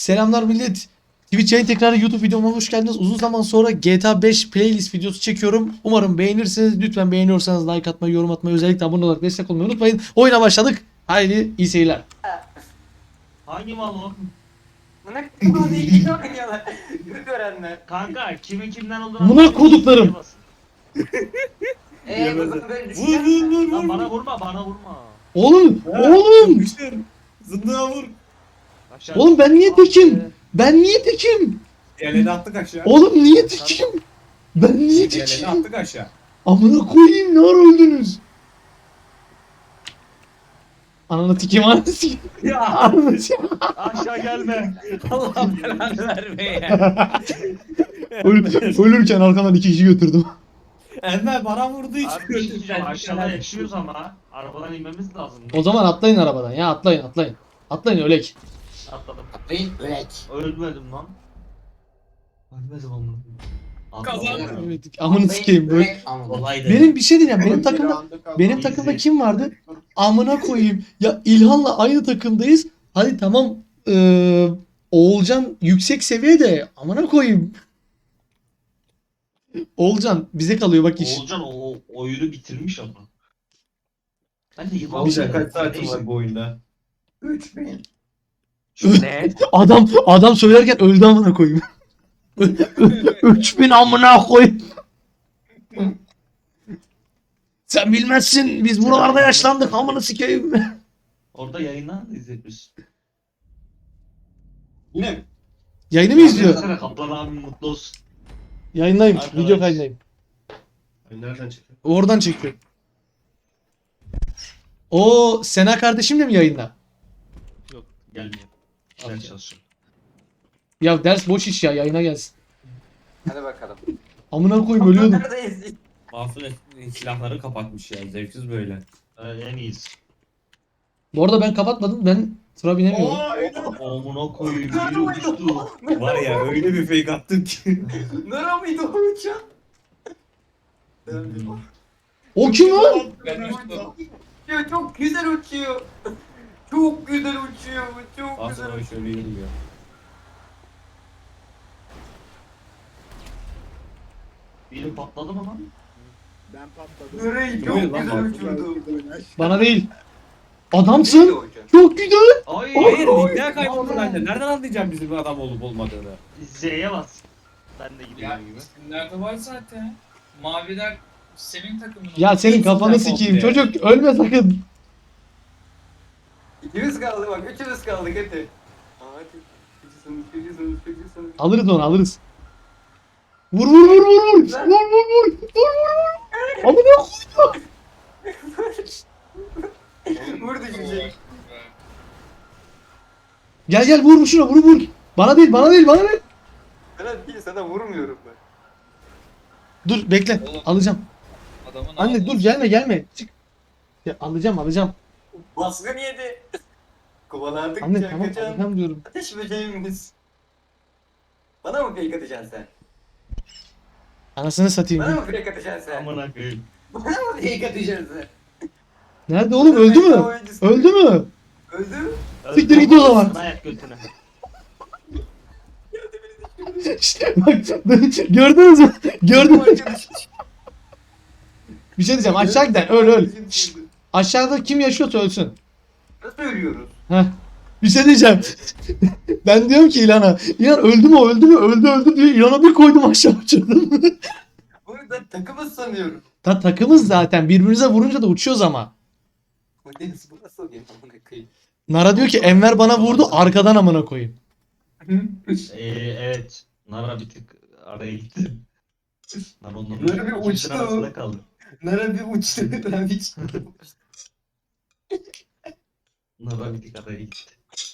Selamlar millet. Twitch yayın tekrarı YouTube videoma hoş geldiniz. Uzun zaman sonra GTA 5 playlist videosu çekiyorum. Umarım beğenirsiniz. Lütfen beğeniyorsanız like atmayı, yorum atmayı, özellikle abone olarak destek olmayı unutmayın. Oyuna başladık. Haydi iyi seyirler. Hangi mal o? Buna kıvamı iki oynuyorlar. Görenler. Kanka kimin kimden olduğunu Buna anlamadım. koduklarım. Şeye basın. Bu zaman böyle Vur düşünüyorum. vur vur Lan vur. bana vurma bana vurma. Oğlum, Ha, oğlum. yapıştır. Zındığa vur. Aşağı Oğlum ben niye Ah tekim? be. Ben niye tekim? Diğerlerini attık aşağı. Oğlum niye tekim? Ben niye Diğerlerini tekim? attık aşağı. Amına koyayım, ne ara öldünüz? Ananı tikeyim, ananı sikeyim. Ya Ananı sikeyim. Aşağı gelme. Allah belanı verme ya. Ölürken arkamdan 2 kişi götürdüm. Enver bana vurdu hiç. Abi bir şey diyeceğim, aşağıda yaşıyoruz ama arabadan inmemiz lazım. O zaman atlayın arabadan ya, atlayın. Atlayın ölek. Atladım. Atlayın ölek. Ölmedim lan. Ölmedim amına. Atladım. Kazandım. Evet, amını sikeyim böyle. Ölek ama. Olaydı. Benim bir şey diyeceğim. Benim takımda kim vardı? Amına koyayım. Ya İlhan'la aynı takımdayız. Hadi tamam. Oğulcan yüksek seviyede. Amına koyayım. Oğulcan bize kalıyor bak iş. Oğulcan o oyunu bitirmiş ama. Ben de yılan Olacak kaç saatim var bu oyunda? 3000. Ne? Adam söylerken öldü amına koyayım. 3000 amına koyayım. Sen bilmezsin. Biz buralarda yaşlandık. Amına sikeyim. Orada yayından da izletmiş. Yine mi? Yayını mı izliyor? Sana Kaplan abi mutlu olsun. Yayındayım. Arkadaş. Video kaydındayım. Nereden çekiyor? Oradan çekiyor. O Sena kardeşim de mi yayında? Yok gelmiyor. Ders çalışıyor. Ya ders boş iş ya, yayına gelsin. Hadi bakalım. Amına koyayım ölüyordum. Neredeyiz? Mahsun silahları kapatmış ya. Zevksiz böyle. En iyisi. Bu arada ben kapatmadım. Ben tıra binemiyorum. Amına koyayım biri uçtu. Var ya öyle bir fake attım ki. Nere mıydı o uçak? O kim lan? Ya çok güzel uçuyor. Çok güzel uçuyor. Çok Mahsun güzel abi uçuyor. şöyle yürüyor. Biri patladı mı lan? Ben patladım. Nereyi Buyurun çok lan, güzel bak. uçurdu. Bana değil. Neydi Adamsın. o uçak? Çok güzel. Ay. Hayır ligden kayboldu bence. Nereden anlayacağım bizim adam olup olmadığını? Z'ye bas. Ben de Ya gidiyorum gibi. isimlerde var zaten. Maviler senin takımın. Ya senin Hepsinden kafanı sikeyim. komple. Çocuk ölme sakın. İkimiz kaldı bak. Üçümüz kaldık hadi. Hadi. Üçüsünüz. Alırız onu, alırız. Vur vur vur vur vur. Vur vur vur. Vur vur vur. Amına koydum. Vurdu şimdi. Gel gel vur şuna, vur vur. Bana değil, bana değil, bana değil. Sana vurmuyorum ben. Dur bekle. Oğlum. Alacağım. Adamın Anne dur, gelme. Çık. Ya, alacağım. Baskın yedi. Kovalandık. Anne tamam, alacağım diyorum. Ateş böceğimiz. Bana mı fake atacaksın sen? Anasını satayım. Bana mı fake atacaksın sen? Amına koyayım. Bana mı fake atacaksın sen? Nerede oğlum, öldü mü? Öldü mü? Öldü mü? Siktir git o zaman. Dayak götüne. İşte bak, gördünüz mü? Gördün mü? Bir şey diyeceğim, aşağı giden öl. Şşt, aşağıda kim yaşıyorsa ölsün. Nasıl ölüyoruz? Heh. Bir şey diyeceğim. Ben diyorum ki İlhan'a. İlhan öldü mü? Öldü diyor. İlhan'a bir koydum, aşağı uçurdum. Bunu da takımız sanıyorum. Takımız zaten. Birbirimize vurunca da uçuyoruz ama. Bu Deniz bu nasıl oluyor? Amına koyayım. Nara diyor ki Enver bana vurdu, arkadan amına koyayım. Evet. Nara bir tık araya gitti. Nara onların Nara bir ikimizin uçtu. arasında kaldı. Nara bir uçtu. Ben hiç. Nara bir tık araya gitti.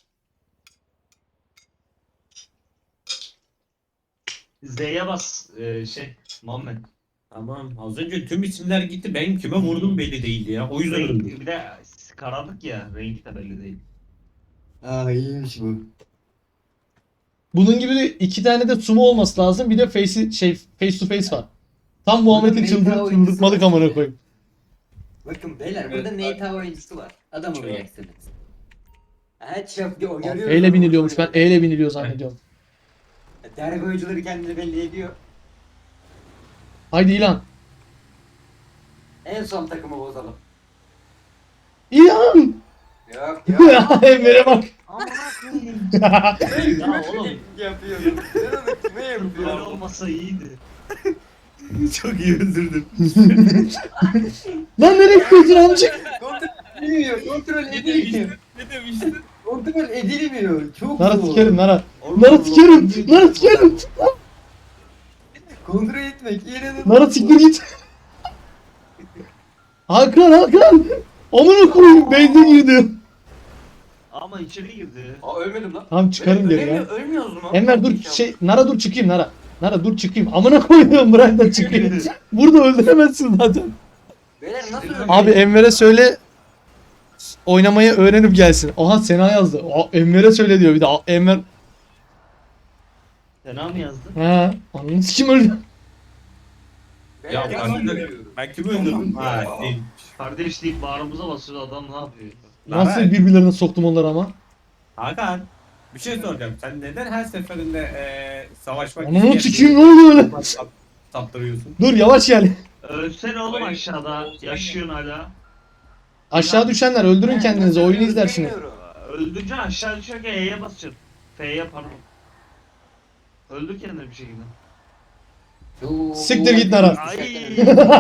Z'ye bas Muhammed. Tamam az önce tüm isimler gitti. Ben kime vurdum belli değildi ya. O yüzden öldüm. Bir de karanlık ya. Rengi de belli değil. Aa iyiymiş bu. Bunun gibi de 2 tane de sumo olması lazım. Bir de face to face var. Tam Muhammed'in çıldırtmalık amına koyayım. Bakın beyler burada Nate oyuncusu var. Adam olacaksınız. Evet şef o görüyor. E ile biniliyormuş. Ben E ile biniliyor zannediyorum. Derbi oyuncuları kendini belli ediyor. Haydi İlhan. En son takımı bozalım. İlhan! Yok yok. Emre'ye bak. Amına koyayım. Ya oğlum Yapıyorum. Sen onu kime böyle yapıyorsun? olmasa iyiydi. Çok iyi öldürdüm. Lan nereye gidiyorsun amcık? Kontrol edilmiyor. Kontrol edilmiyor. Ne demiştin? Kontrol edilmiyor. Çok Nara zor. sikerim Nara. Nara sikerim. Nara sikerim. Kontrol etmek inanılmaz. Nara siktir git. Hakan Hakan. Amına koyayım benzin girdi. Ama içeri girdi. Aa ölmedim lan. Tamam çıkarım geri ya. Ölmüyoruz mu? Enver dur Nara dur çıkayım Nara. Nara dur çıkayım. Amına koyuyorum bırak da çıkayım. Burada öldüremezsin zaten. Beyler nasıl öldü? Abi Enver'e söyle oynamayı öğrenip gelsin. Aha Sena yazdı. Enver'e söyle diyor bir de. Enver Sena mı yazdı? he. Ananı sikim öldü. Beyler Ya, nasıl ben de- öldü? Ben kimi öldürdüm? Ha değil. Kardeş deyip bağrımıza basıyor adam ne yapıyor? Nasıl birbirlerine soktum onları ama. Hakan bir şey soracağım. Sen neden her seferinde savaşmak Ananı sikeyim ne oluyor öyle? Saptırıyorsun? Dur yavaş gel. Ölsene oğlum aşağıda. Yaşıyorsun hala. Aşağı düşenler öldürün kendinizi oyunu izlersiniz. Bilmiyorum. Öldükçe aşağı düşerken E'ye basacaksın. F'ye pardon. Öldür kendini bir şekilde. Yoo. Siktir git Nara. Ay.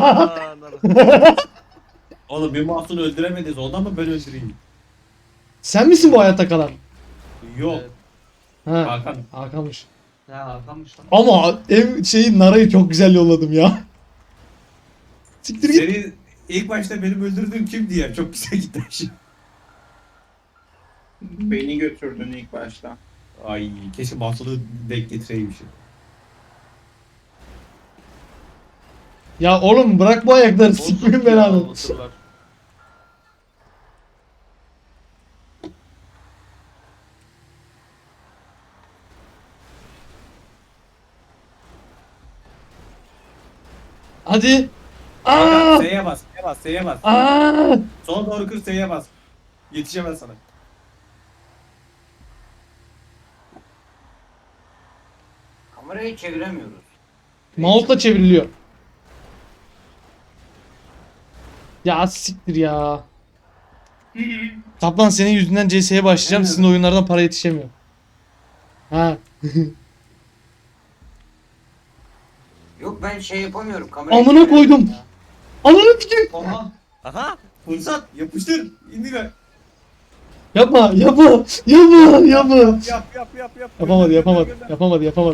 Oğlum bir masunu öldüremediniz. Ondan mı ben öldüreyim? Sen misin bu hayatta kalan? Yok. Ha. Hakan. Hakan'mış. Ya Hakan'mış lan. Ama Nara'yı çok güzel yolladım ya. Siktir git. Seni ilk başta benim öldürdüğüm kimdi ya? Çok güzel gitti şimdi. Beni götürdün ilk başta. Ay keşke masunu denk getireymişim. Ya oğlum bırak bu ayakları sikmeyin belanı. Hadi. Aa! S'ye bas, S'ye bas, S'ye bas. Aa! Sola doğru kır S'ye bas. Yetişemez sana. Kamerayı çeviremiyoruz. Mouse'la çevriliyor. Ya siktir ya. Kaplan senin yüzünden CS'ye başlayacağım. Sizin oyunlardan para yetişemiyor. Ha. Yok ben şey yapamıyorum. Kamerayı Amına koydum. çeviremiyorum ya. Ananı sikeyim. Aha. Aha. Fırsat. Yapıştır. İndir. Yapma, yapma, yapma, yapma. Yap. Yapamadı.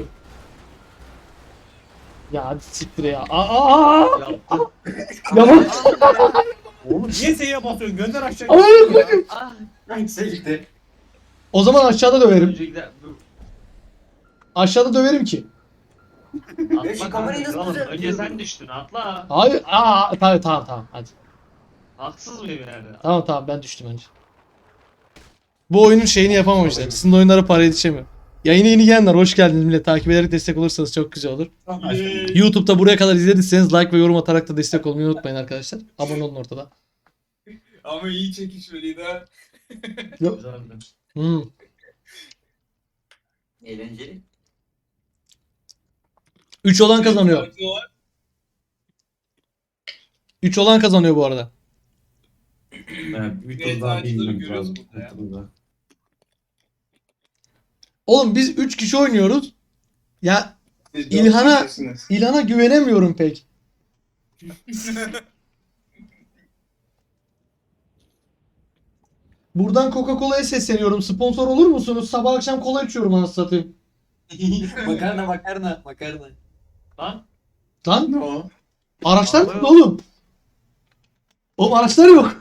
Ya hadi siktir ya. Aa! Yaptı. Yapma. Oğlum niye S'ye basıyorsun? Gönder aşağı. Amına koydum. Ah. Hangisi gitti? O zaman aşağıda döverim. Öncekiler. Aşağıda döverim ki. Ya şu Atla kamerayı kanka. nasıl Oğlum, önce düzeltiyorum? sen düştün atla. Hayır. Tamam hadi. Haksız mıyım yani? Tamam ben düştüm önce. Bu oyunun şeyini yapamamışlar. Sizin oyunlara para yetişemiyor. Yayına yeni gelenler hoş geldiniz millet. Takip ederek destek olursanız çok güzel olur. YouTube'da buraya kadar izlediyseniz like ve yorum atarak da destek olmayı unutmayın arkadaşlar. Abone olun ortada. Ama iyi çekişmeliydi ha. Güzeldi. Hmm. Eğlenceli. 3 olan kazanıyor. 3 olan kazanıyor bu arada. Bir tur Evet, daha ağaçları bilmiyorum. görüyoruz Bir burada ya. tur daha. Oğlum biz 3 kişi oynuyoruz. Ya Siz İlhan'a- 4 kişisiniz. İlhan'a güvenemiyorum pek. Buradan Coca-Cola'ya sesleniyorum. Sponsor olur musunuz? Sabah akşam kola içiyorum anasını satayım. makarna. Lan. Lan Ne o? araçlar Ama nerede yok. oğlum? Oğlum araçlar yok.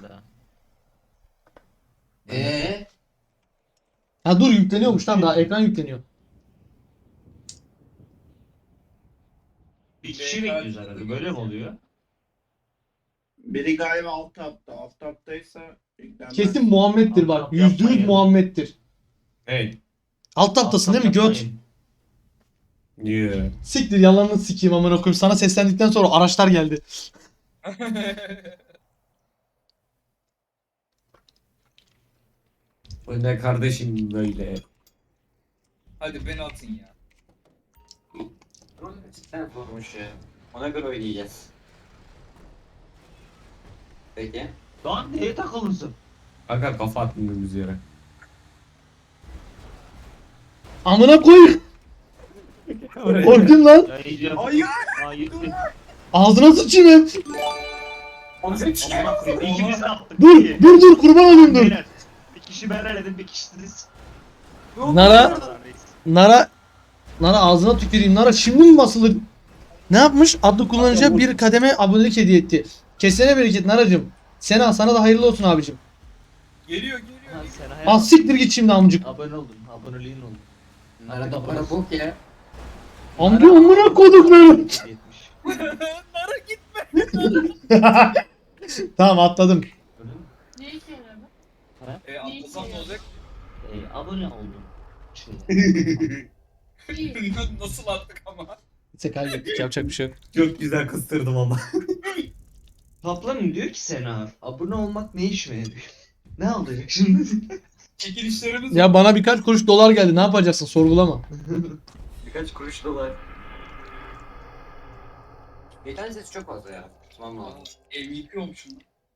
Ha dur yükleniyormuş tamam daha ekran yükleniyor. Bir kişi bekliyoruz herhalde. Böyle mi oluyor? Biri galiba alt tapta. Alt taptaysa yüklenmez. Kesin Muhammed'dir bak. Yapmayın. %100 Muhammed'dir. Evet. Alt taptasın değil mi göt? Yeah. Siktir yalanını sikeyim amına koyayım. Sana seslendikten sonra araçlar geldi. Bu ne kardeşim böyle? Hadi beni atın ya. Sen vurmuş ya. Ona göre oynayacağız. Peki. Lan neye takılmışsın? Kanka kafa atmıyoruz yere. Amına koy. Korktum lan. Ya yiyeceğim. Hayır. Aa gitti. Ağzına sıçayım hem. Onu Amına koyayım. İkimiz de attık. Dur İyi. dur dur kurban olayım dur. Beyler, bir kişi ben eledim, bir kişi siz. Nara Nara ağzına tüküreyim. Nara şimdi mi basılır? Ne yapmış? Adlı kullanıcıya bir kademe abonelik hediye etti. Kesene bereket Naracım. Sena sana da hayırlı olsun abicim. Geliyor. Az siktir git şimdi amcık. Abone oldum, aboneliğin oldu. Arada bana bok ya. Amca amına koduklarım. 70. Nara git. Tamam atladım. Ne işe yaradı? Atlasam ne olacak? Abone oldum. İyi. Nasıl attık ama? Neyse kaybettik yapacak bir şey yok. Çok güzel kıstırdım ama. Kaplanım diyor ki Sena, abone olmak ne işime yarıyor? Ne alacak şimdi? Çekilişlerimiz Ya bana birkaç kuruş dolar geldi ne yapacaksın sorgulama. Birkaç kuruş dolar. Geçen ses çok fazla ya. Tamam lazım. MVP olmuşum.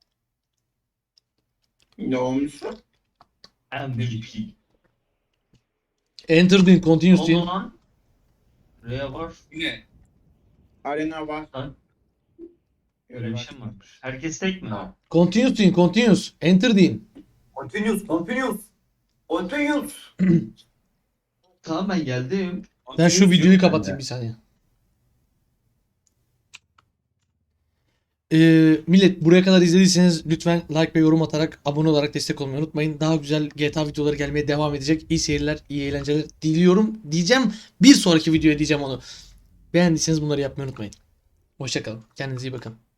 Ne olmuş? MVP. Enter din continuous O din. zaman R'ye var. Ne? Arena var. Öyle bir şey mi varmış? Herkes tek mi? Ha. Continuous din continuous. Enter din. Continuous. Tamam ben geldim. Ben şu videoyu kapatayım bir saniye. Millet buraya kadar izlediyseniz lütfen like ve yorum atarak abone olarak destek olmayı unutmayın. Daha güzel GTA videoları gelmeye devam edecek. İyi seyirler, iyi eğlenceler diliyorum. Diyeceğim bir sonraki videoya diyeceğim onu. Beğendiyseniz bunları yapmayı unutmayın. Hoşça kalın. Kendinize iyi bakın.